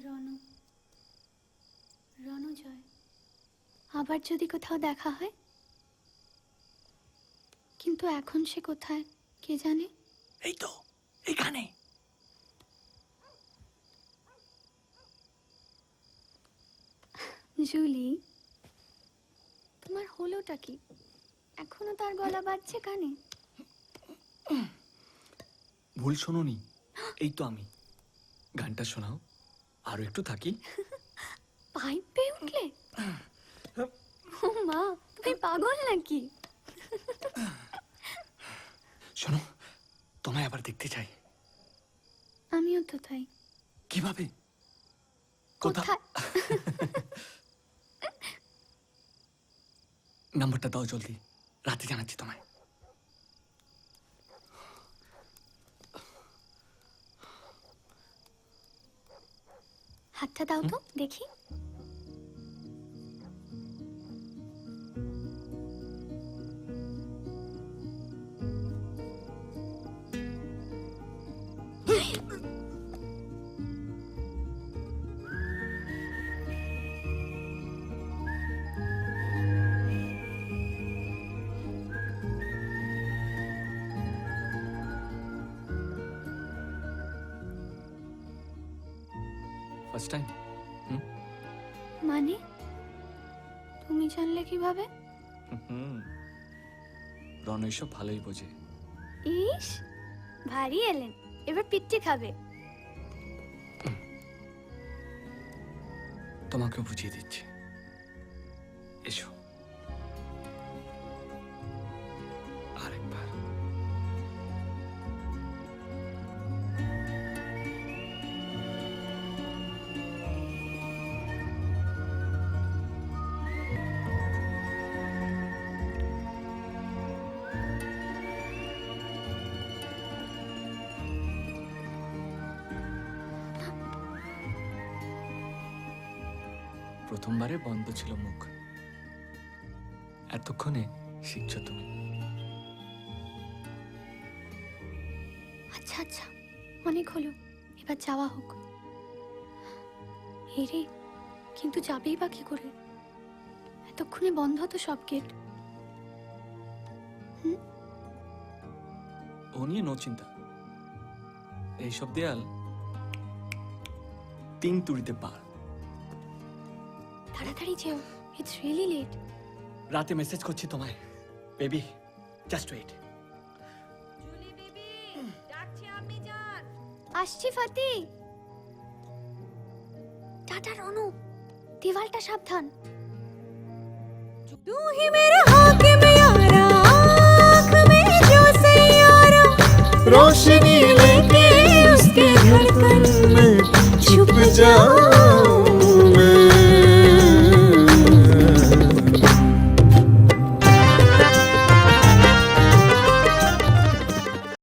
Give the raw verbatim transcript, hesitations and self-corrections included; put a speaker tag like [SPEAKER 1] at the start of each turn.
[SPEAKER 1] রনু রণজয় আবার যদি কোথাও দেখা হয়, কিন্তু এখন সে কোথায় কে জানে।
[SPEAKER 2] এই তো এখানে।
[SPEAKER 1] জুলি, তোমার হলোটা কি? এখনো তার গলা বাজছে কানে।
[SPEAKER 2] ভুল শোনোনি, এই তো আমি। গানটা শোনাও, আরো একটু থাকি।
[SPEAKER 1] পাইপ পেয়ে উঠলে? ও মা, তুমি পাগল নাকি?
[SPEAKER 2] শোনো, তোমায় আবার দেখতে চাই।
[SPEAKER 1] আমিও তো তাই।
[SPEAKER 2] কিভাবে?
[SPEAKER 1] কোথায়?
[SPEAKER 2] নাম্বারটা দাও জলদি, রাতে জানাচ্ছি তোমায়।
[SPEAKER 1] হাতটা দাও তো দেখি।
[SPEAKER 2] First time?
[SPEAKER 1] মানে তুমি জানলে কিভাবে?
[SPEAKER 2] হুম, রণ এসব ভালোই বোঝে।
[SPEAKER 1] ইস, ভারী এলেন, এবার পিচ্চি খাবে।
[SPEAKER 2] তোমাকে বুঝিয়ে দিচ্ছি, এসো আরেকবার। প্রথমবারে বন্ধ ছিল মুখ, এতক্ষণে শিখছো তুমি।
[SPEAKER 1] আচ্ছা আচ্ছা, অনেক হলো, এবার যাওয়া হোক। হেরে, কিন্তু যাবেই বা কি করে? এতক্ষণে বন্ধ তো সব গেট। হুম,
[SPEAKER 2] ও নিয়ে নো চিন্তা, এইসব দেয়াল তিন তুড়িতে পার।
[SPEAKER 1] তাড়াতাড়ি যেও, ইটস রিয়েলি লেট।
[SPEAKER 2] রাতে মেসেজ করছি তোমায়, baby, just wait.
[SPEAKER 3] Julie baby, ডাকছি আমি যান।
[SPEAKER 1] আসছি ফাতি। টাটা রনু, দেওয়ালটা সাবধান।
[SPEAKER 3] तू ही मेरा